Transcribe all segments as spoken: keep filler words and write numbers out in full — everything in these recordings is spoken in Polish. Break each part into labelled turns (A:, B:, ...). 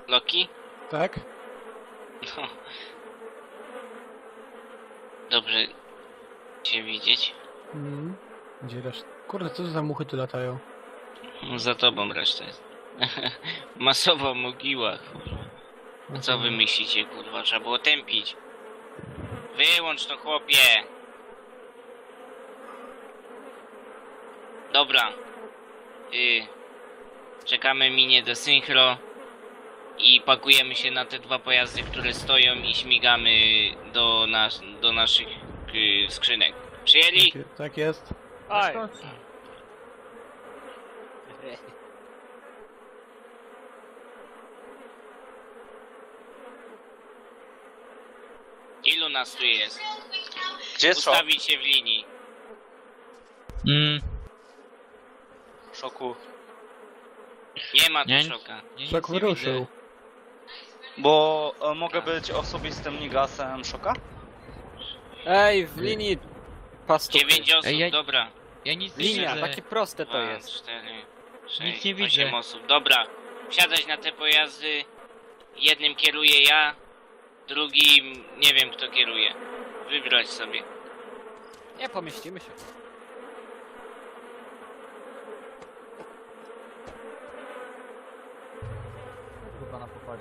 A: Loki?
B: Tak?
A: No. Dobrze cię widzieć.
B: Mm. Gdzie reszta? Kurde, co to za muchy tu latają?
A: Za tobą resztę jest. Masowa mogiła, kurwa. A co wy myślicie, kurwa? Trzeba było tępić. Wyłącz to, chłopie! Dobra. Y, czekamy minie do synchro. I pakujemy się na te dwa pojazdy, które stoją i śmigamy do, nas, do naszych y, skrzynek. Przyjęli?
B: Tak, tak jest.
C: Oj.
A: Ilu nas tu jest?
D: Gdzie jest szok?
A: Ustawić się w linii.
E: Mm,
D: Szoku.
A: Nie ma tu
E: Nie,
A: szoka.
E: nie,
B: Szok
E: nic nie
B: wyruszył.
E: widzę.
D: Bo e, mogę być osobistym nigasem szoka?
C: Ej, w linii pastu.
A: Dziewięć osób,
E: Ej, ja-
A: dobra.
E: Ja nic nie
C: Linia,
E: widzę.
C: takie proste to
A: Dwa,
C: jest.
A: cztery,
E: Nic
A: sześć,
E: nie
A: osiem
E: widzę.
A: osób. Dobra. Wsiadać na te pojazdy. Jednym kieruję ja. Drugim nie wiem kto kieruje. Wybrać sobie.
C: Nie pomieścimy się. Chyba na pokładzie.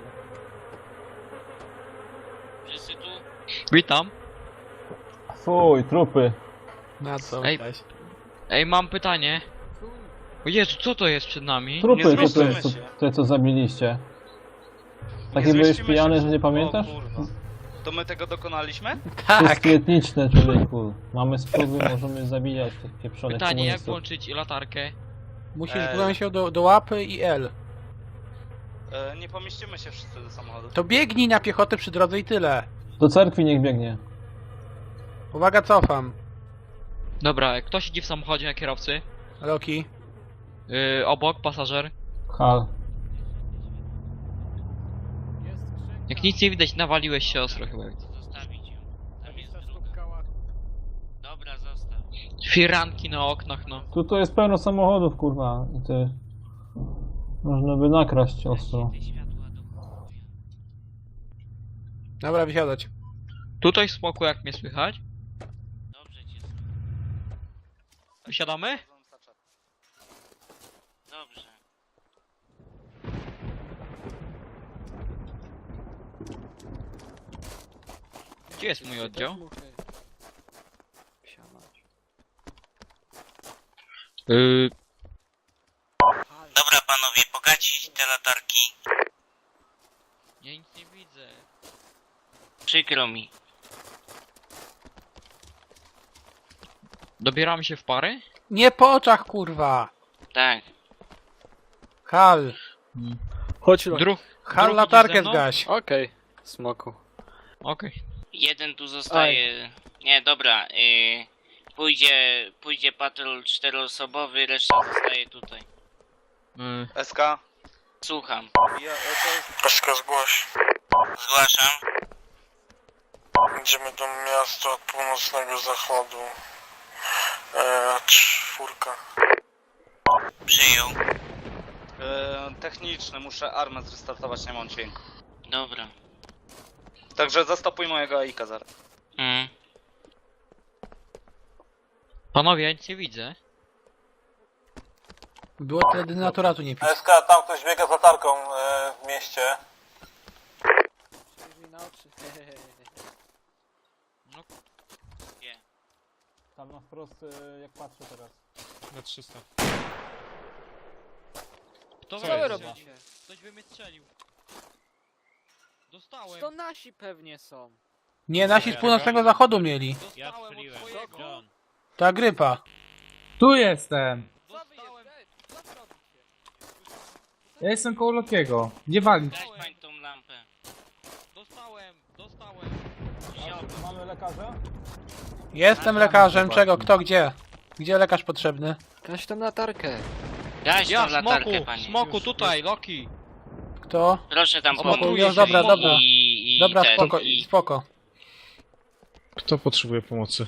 A: Wszyscy tu?
E: Witam.
F: Fuj, trupy.
B: Na co?
E: Ej.
B: Weź.
E: Ej, mam pytanie. O Jezu, co to jest przed nami?
F: Trupy,
D: Nie
F: te, te,
D: zmieścimy
F: co,
D: się.
F: te co zabiliście. Taki
D: Nie
F: byłeś
D: zmieścimy
F: pijany,
D: się.
F: że nie pamiętasz?
D: O kurwa. To my tego dokonaliśmy?
B: Tak!
F: Wszystkie etniczne, człowieku. Mamy spróby, możemy zabijać tych pieprzonych
E: Pytanie, jak
F: komunistów.
E: włączyć latarkę?
B: Musisz
D: Ej.
B: wziąć się do, do łapy i L.
D: E, nie pomieścimy się wszyscy do samochodu.
B: To biegnij na piechotę przy drodze i tyle.
F: Do cerkwi niech biegnie.
B: Uwaga, cofam.
E: Dobra, kto siedzi w samochodzie na kierowcy?
B: Loki.
E: Yy, obok, pasażer.
F: Hal.
E: Jak nic nie widać, nawaliłeś się ostro chyba.
A: Zostawić ją. Tam jest druga. Dobra, zostaw.
E: Firanki na oknach, no.
F: Tu to jest pełno samochodów, kurwa. I ty... Można by nakraść ostro.
A: Te światła do chuja.
B: Dobra, wysiadać.
E: Tutaj w smoku, jak mnie słychać?
A: Dobrze cię.
E: Siadamy?
A: Dobrze.
E: Gdzie jest mój oddział? Yy,
A: Dobra panowie, pogacić te latarki.
E: ja nic nie widzę.
A: Przykro mi.
E: Dobieramy się w pary?
B: Nie po oczach, kurwa!
A: Tak.
B: Hal!
C: Chodź, Loki.
E: Druh.
B: Hal,
E: Drugi
B: latarkę
E: ze mną?
B: zgaś.
C: Okej, smoku.
E: Okej.
A: Jeden tu zostaje. Nie, dobra. Yy, pójdzie, pójdzie patrol czteroosobowy, reszta zostaje tutaj.
E: Yy,
D: S K.
A: Słucham.
D: Ja, e, to jest...
G: Peszka zgłoś.
A: Zgłaszam.
G: Idziemy do miasta od północnego zachodu. E, czwórka.
A: Przyjął.
D: E, techniczny, muszę armę zrestartować, nie mam dźwięku.
A: Dobra.
D: Także zastopuj mojego A I K zaraz.
A: Mm.
E: Panowie, ja nic nie widzę.
B: Było tyle denaturatu nie pić.
G: S K, tam ktoś biega z latarką e, w mieście.
C: Na oczy.
E: No,
A: Gdzie?
F: Tam na wprost, jak patrzę teraz.
H: Na trzysta.
E: kto
H: Co
E: we mnie
H: jest?
E: strzelił? Ktoś by mnie strzelił. Dostałem.
C: To nasi pewnie są.
B: Nie, nasi z północnego zachodu mieli.
H: Ja
E: Dostałem od
H: strzeliłem.
E: twojego.
H: John.
B: Ta grypa.
I: Tu jestem!
C: Co wy
E: Dostałem.
C: jesteście? Co wy robicie?
I: Ja jestem koło Lokiego. Nie walić.
A: Daj pań tą lampę.
E: Dostałem. Dostałem.
F: Mamy lekarza?
B: Jestem lekarzem, czego? Kto, gdzie? Gdzie lekarz potrzebny?
C: Gaś tam latarkę.
A: Gaś
E: Ja,
A: tą latarkę,
E: smoku,
A: panie.
E: smoku, tutaj, Loki.
B: Kto?
A: Proszę tam
B: Smoku,
A: pomóc.
B: już, dobra,
A: I,
B: dobra.
A: I, i
B: Dobra,
A: ten,
B: spoko,
A: i...
B: spoko.
H: Kto potrzebuje pomocy?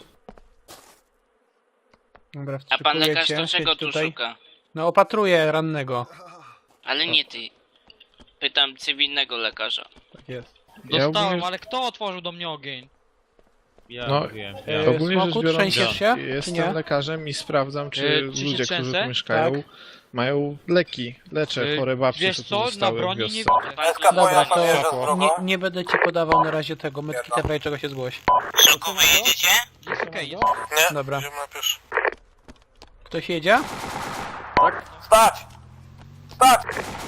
B: Dobra,
A: A pan
B: wstrzykuję
A: lekarz
B: cię,
A: to czego
B: siedź
A: tu
B: tutaj.
A: szuka?
B: No opatruję rannego.
A: Ale nie ty. Pytam cywilnego lekarza.
H: Tak jest.
E: Dostałem,
H: ogólnie-
E: ale kto otworzył do mnie ogień?
H: Ja no,
B: Yy,
H: ogólnie rzecz
B: Smoku,
H: biorąc,
B: trzęsiesz się, czy
H: jestem
B: nie?
H: lekarzem i sprawdzam, czy
E: Yy, czy się
H: ludzie, którzy
E: trzęsę?
H: tu mieszkają,
B: Tak.
H: mają leki. Leczę
E: Yy,
H: chore babcie,
E: wiesz
H: co tu
E: co, na
H: zostały w
E: broni nie
H: wiosce.
E: widzę.
A: Pan tu
B: Dobra,
G: pan
B: to
G: jeżdża z drogą?
B: nie, nie będę ci podawał na razie tego, medkita, w razie czego się zgłoś.
A: Szoku, wyjedziecie?
E: Jest okej, jest.
G: Nie?
B: Dobra.
G: Idziemy na pieszo.
B: Ktoś jedzie?
G: Stać! Stać!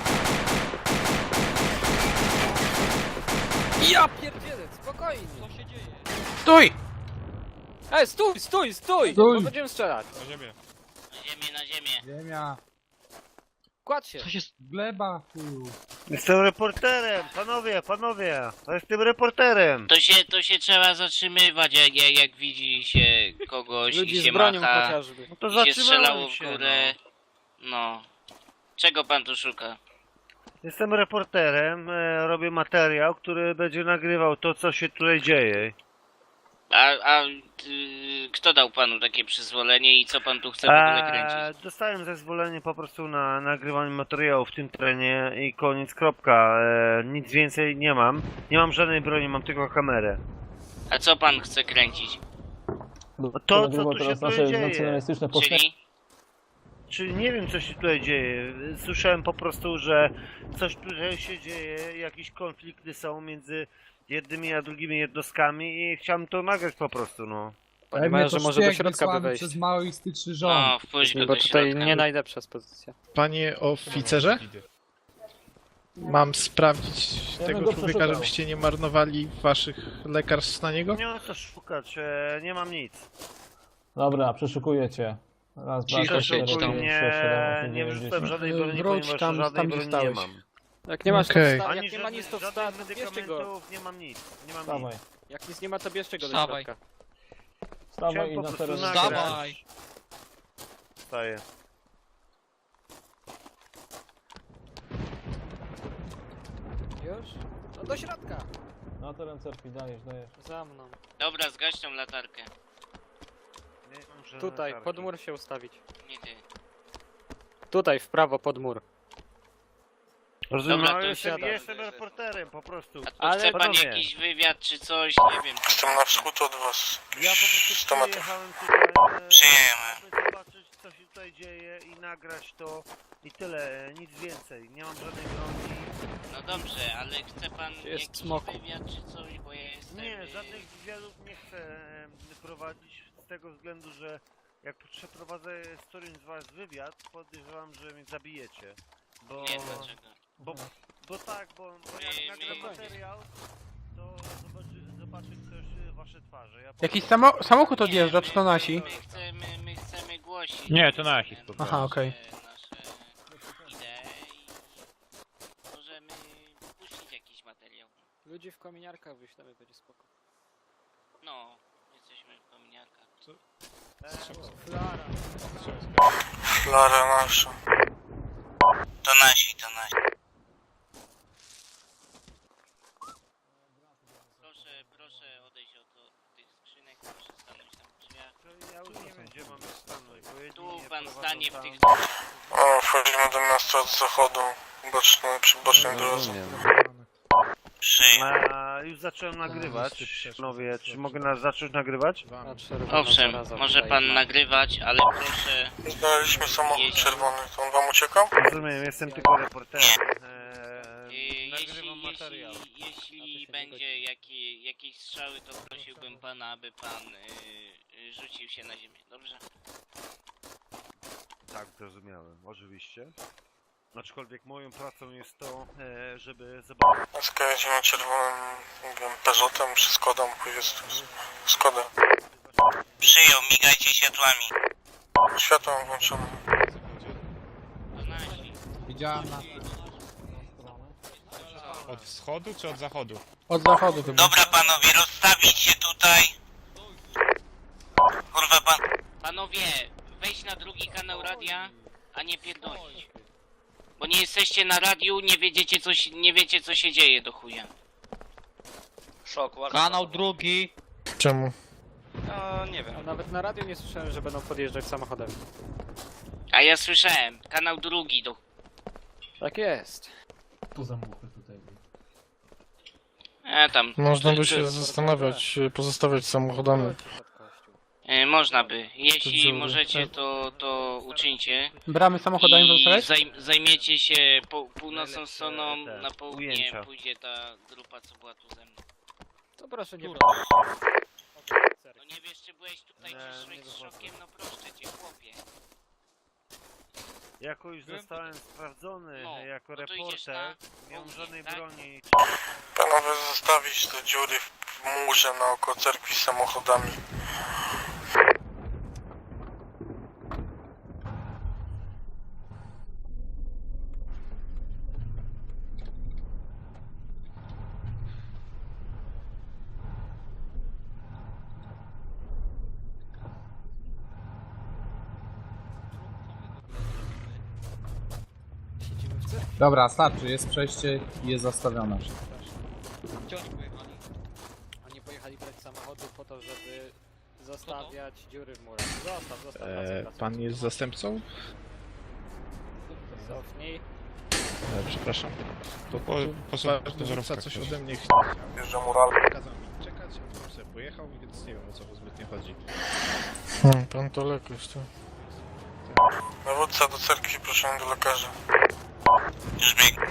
C: Ja pierdzielę, spokojnie.
E: Co się dzieje?
B: Stój!
C: Ej, stój, stój, stój!
I: Stój.
C: Bo będziemy strzelać.
H: Na ziemię.
A: Na ziemię, na ziemię.
I: Ziemia.
C: Kładź się.
E: Co się...
I: Gleba, chuju.
J: Jestem reporterem, panowie, panowie, to jestem reporterem.
A: To się, to się trzeba zatrzymywać, jak, jak, jak widzi się kogoś i
C: Ludzi
A: się
C: z bronią
A: macha
C: chociażby.
J: No to
A: i się strzelało
J: zatrzymałem
A: w
J: się,
A: górę. No. Czego pan tu szuka?
J: no. Jestem reporterem, e, robię materiał, który będzie nagrywał to, co się tutaj dzieje.
A: A, a y, kto dał panu takie przyzwolenie i co pan tu chce w ogóle
J: E,
A: kręcić?
J: dostałem zezwolenie po prostu na nagrywanie materiału w tym terenie i koniec, kropka. E, nic więcej nie mam. Nie mam żadnej broni, mam tylko kamerę.
A: A co pan chce kręcić?
J: No to, co
F: nagrywał
J: tu się
F: teraz
J: tutaj
F: nasze
J: dzieje.
F: nacjonalistyczne postawy.
A: Czyli?
J: Czy nie wiem, co się tutaj dzieje. Słyszałem po prostu, że coś tutaj się dzieje, jakieś konflikty są między jednymi a drugimi jednostkami i chciałem to nagrać po prostu, no.
C: Panie
I: Pewnie
C: mają, że
I: to
C: może do
I: szpieg
C: środka by
I: wysłany
C: wejść.
I: przez maoistyczny rząd.
A: No, wpuść go
C: Bo
A: do
C: tutaj
A: środka.
C: nie najlepsza pozycja.
H: Panie oficerze? Mam sprawdzić
F: Ja bym
H: tego
F: go
H: człowieka,
F: przeszukał.
H: żebyście nie marnowali waszych lekarstw na niego?
J: Nie mam co szukać, e, nie mam nic.
F: Dobra, przeszukuję cię. Raz, dwa,
E: Cicho
F: trzy,
E: siedź
F: cztery,
E: tam.
F: pięć,
J: Nie,
F: sześć, siedem, osiem,
J: nie
F: dziewięć,
J: wrzucam
F: dziesięć.
J: żadnej broni,
B: Wróć
J: ponieważ
B: tam,
J: żadnej
B: tam, gdzie
J: broni nie
B: stałeś.
J: mam.
C: Jak nie masz
H: Okej.
C: to wsta-
J: Ani
C: jak nie ma nic to
J: żadnych,
C: wsta-
J: żadnych
C: to bierzcie go.
J: medykamentów, nie mam nic. Nie mam
F: Wstawaj,
J: nic.
C: Jak nic nie ma, to bierzcie go do
E: Wstawaj.
C: środka.
F: wstawaj
J: Chciałem
F: i
J: po
F: na
J: prostu
F: teren.
J: nagrać.
E: Dawaj!
J: Wstaję.
C: Już? No do środka.
F: Na teren cerkwi, dajesz, dajesz.
C: Za mną.
A: Dobra, zgaś tą latarkę.
J: Nie mam żadnej
C: Tutaj,
J: latarki.
C: pod mur się ustawić.
A: Nie ty.
C: Tutaj, w prawo, pod mur.
J: Rozumiem,
A: Dobra,
J: ale
A: to
J: jestem,
C: siadam.
J: jestem reporterem po prostu.
A: A tu
C: Ale
A: chce pan
J: panowie.
A: jakiś wywiad czy coś? Nie wiem. co
G: Jestem
A: pan
G: na
A: chce.
G: wschód od was.
J: Ja po prostu
G: sto metrów.
J: przyjechałem tutaj, e,
A: Przyjemy.
J: aby zobaczyć, co się tutaj dzieje i nagrać to i tyle, e, nic więcej. Nie mam żadnej broni.
A: No dobrze, ale chce pan
C: Gdzie jest
A: jakiś
C: smoku?
A: wywiad czy coś, bo ja jestem...
J: Nie,
A: y,
J: żadnych wywiadów nie chcę e, prowadzić z tego względu, że jak przeprowadzę z którymś z was wywiad, podejrzewam, że mnie zabijecie. Bo,
A: Nie, dlaczego?
J: bo, bo tak, bo, bo jak
A: My-
J: nagram
A: my-
J: materiał, to zobaczy, zobaczy ktoś e, wasze twarze. Ja po
B: Jakiś
J: prostu-
B: samo samochód odjeżdża,
A: Nie,
B: czy to
A: my-
B: nasi?
A: My chcemy, my chcemy głosić.
H: Nie, to nasi,
A: nasze-
H: po
B: prostu. Aha, okej.
A: Nasze idee i możemy puścić jakiś materiał.
C: Ludzi w kominiarkach wyślemy, będzie spoko.
A: No, jesteśmy w kominiarkach.
J: E,
C: Flara.
G: Flara nasza.
A: To nasi, to nasi. Proszę, proszę odejść od, od tych skrzynek, proszę stanąć tam w drzwiach.
J: to ja już nie wiem, gdzie mamy stanąć, bo jedni
A: Tu
J: mnie
A: pan
J: prowadzą
A: stanie w
J: tam.
A: tych
G: O, wchodzimy do miasta od zachodu. Boczny, przy bocznej drodze.
A: Przyj.
J: A, już zacząłem nagrywać. Panowie, czy mogę nas zacząć nagrywać?
C: A, czerwona
A: Owszem,
C: zaraza
A: może
C: tutaj
A: pan
C: ma.
A: nagrywać, ale proszę...
G: Znaleźliśmy samochód
A: Jeśli-
G: czerwony. To on wam uciekał?
J: Rozumiem, jestem tylko reporterem.
A: Yy,
J: Eee,
A: jeśli,
J: nagrywam materiał.
A: jeśli, jeśli będzie jakie, jakieś strzały, to prosiłbym pana, aby pan yy, rzucił się na ziemię, dobrze?
J: Tak, zrozumiałem, oczywiście. Aczkolwiek moją pracą jest to, e, żeby zobaczyć.
G: Skajedzimy czerwonym, nie wiem, Peugeotem czy Skodą, jest Skoda.
A: Przyjął, migajcie światłami.
G: Światło mam włączone.
A: To nasi.
I: Widziałem na...
H: Od wschodu czy od zachodu?
B: Od zachodu chyba.
A: Dobra panowie, rozstawić się tutaj. Kurwa pan... Panowie, wejdź na drugi kanał radia, a nie pierdolić. Bo nie jesteście na radiu, nie wiedziecie co się, nie wiecie co się dzieje do chuja.
D: Szok, ładnie.
E: Kanał drugi.
H: Czemu?
D: No, nie
C: A
D: wiem.
C: nawet na radio nie słyszałem, że będą podjeżdżać samochodem.
A: A ja słyszałem, kanał drugi do...
C: Tak jest.
I: to za muchy tutaj?
A: E, tam.
H: Można by
A: to-
H: się zastanawiać, pozostawiać samochodami.
A: E, można by. Jeśli
H: dziury.
A: możecie, to, to uczyńcie.
B: Bramy samochodami
A: I
B: zostawiać?
A: zajm, zajmiecie się po, północną
J: Najlepsze
A: stroną,
J: te
A: na południe
J: ujęcia.
A: pójdzie ta grupa, co była tu ze mną.
C: To proszę nie
A: No nie wiesz, czy byłeś tutaj,
J: Nie,
A: czy
J: nie
A: szłeś z
J: wychodzę.
A: szokiem, no proszę cię, chłopie.
J: Jako już zostałem sprawdzony
A: No,
J: jako
A: no to idziesz
J: reporter,
A: na
J: nie mam
A: południe,
J: żadnej
A: tak?
J: broni.
G: Panowie, zostawić te dziury w murze naokoło cerkwi z samochodami.
I: Dobra, starczy, jest przejście i jest zastawione.
E: Gdzie oni pojechali?
C: Oni pojechali brać samochody po to, żeby zostawiać dziury w murach. Zostaw, zostaw,
H: E,
C: wracaj, wracaj.
H: pan jest zastępcą?
C: Cofnij.
H: E, przepraszam. To po, dowódca coś ode mnie
G: Wjeżdża mural.
H: kazał mi czekać, a potem sobie pojechał, więc nie wiem, o co mu zbytnio chodzi. Hmm, pan to lekarz, to...
G: Dowódca do cerkwi, proszę do lekarza. Już bieg.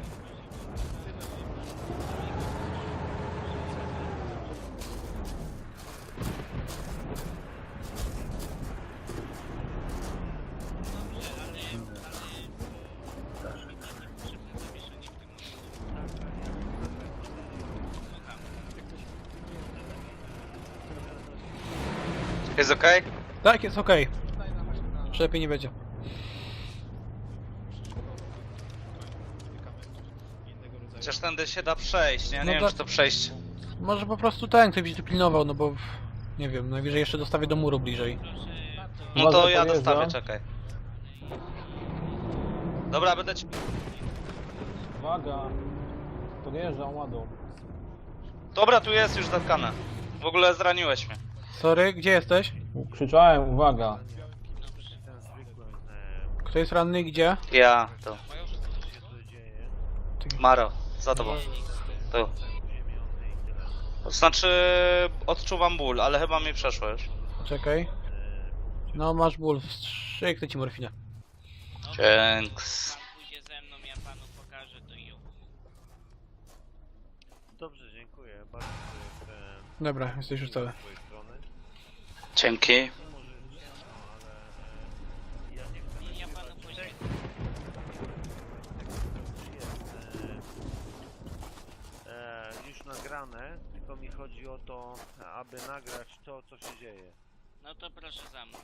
D: Jest okej?
B: Tak, jest okej. Że lepiej nie będzie.
D: Chociaż tędy się da przejść, nie? Nie
B: No
D: wiem,
B: to-
D: czy to przejść.
B: Może po prostu ten ktoś by pilnował, no bo... Nie wiem, najwyżej jeszcze dostawię do muru bliżej.
D: No to
F: Uwaga,
D: ja
F: podjeżdża.
D: dostawię, czekaj. Dobra, będę ci...
F: Uwaga! Podjeżdżam ładą.
D: Dobra, tu jest już zatkane. W ogóle zraniłeś mnie.
B: Sorry, gdzie jesteś?
F: Krzyczałem, uwaga!
J: Ten zwykły,
B: Kto jest ranny, gdzie?
D: Ja, to.
J: e, co się tu dzieje.
D: Maro, za tobą. Tu. To znaczy, odczuwam ból, ale chyba mi przeszło już.
B: Czekaj. No, masz ból. Strzyknę ci morfinę.
D: Dzięks.
A: Pan pójdzie ze mną, ja panu pokażę to i
J: Dobrze, dziękuję. Bardzo dziękuję. e,
B: Dobra, jesteś już cały.
J: z twojej strony.
D: Dzięki.
J: Może nie, no, ale e, ja nie chcę
A: ja panu poświęcę.
J: e, e, już nagrane, tylko mi chodzi o to, aby nagrać to, co się dzieje.
A: No to proszę za mną.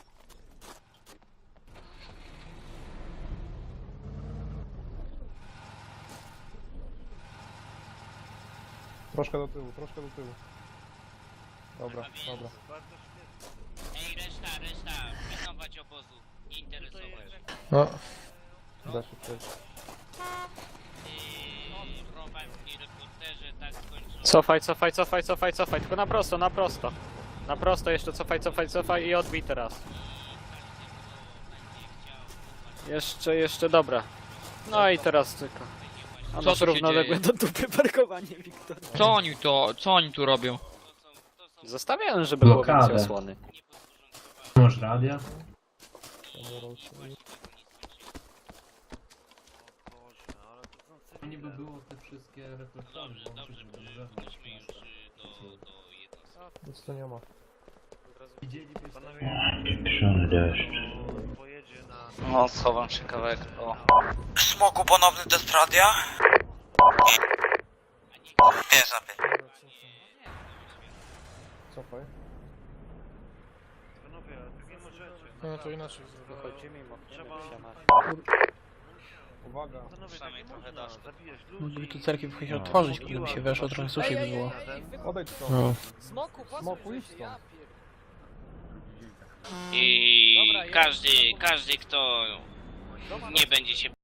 H: Troszkę do tyłu, troszkę do tyłu. Dobra,
A: A więc-
H: dobra.
J: Bardzo świetnie.
A: Ej, reszta, reszta, pilnować obozu. Nie interesować.
H: No. Da się przejść.
A: Yy, prowadzki reporterze, tak skończą.
C: Cofaj, cofaj, cofaj, cofaj, cofaj. Tylko na prosto, na prosto. Na prosto jeszcze cofaj, cofaj, cofaj i odbij teraz. Jeszcze, jeszcze, dobra. No i teraz tylko. A
E: Co
C: masz
E: tu się
C: równoległe
E: dzieje?
C: do dupy parkowanie, Wiktor.
E: Co oni to, co oni tu robią?
C: Zostawiałem, żeby było więcej osłony.
I: Masz radia?
J: Boże, no, ale to są cywile.
I: Niby było te wszystkie reflektory.
A: Dobrze, dobrze, wróćmy już y, do, do jednostki.
H: Nic to nie ma.
I: Widzielibyście?
J: Panowie, to pojedzie na...
D: No, schowam się kawałek. O.
G: Smoku, ponowny test radia? Nie, zabie.
H: Cofaj.
J: Panowie, ale tak nie możecie.
H: No to inaczej.
C: Wychodzi mimo,
J: Trzeba-
H: Uwaga.
J: Panowie, tak
D: Przynajmniej
J: nie
D: trochę
J: można.
D: dasz.
J: Zabijesz
B: Mogliby
J: ludzi.
B: tu cerkiew chyba się otworzyć, gdyby się weszło, trochę suszy by było.
H: Odejdź stąd.
B: No.
C: Smoku,
H: Smoku, idź stąd.
A: I
C: Dobra, ja-
A: każdy, każdy kto nie będzie się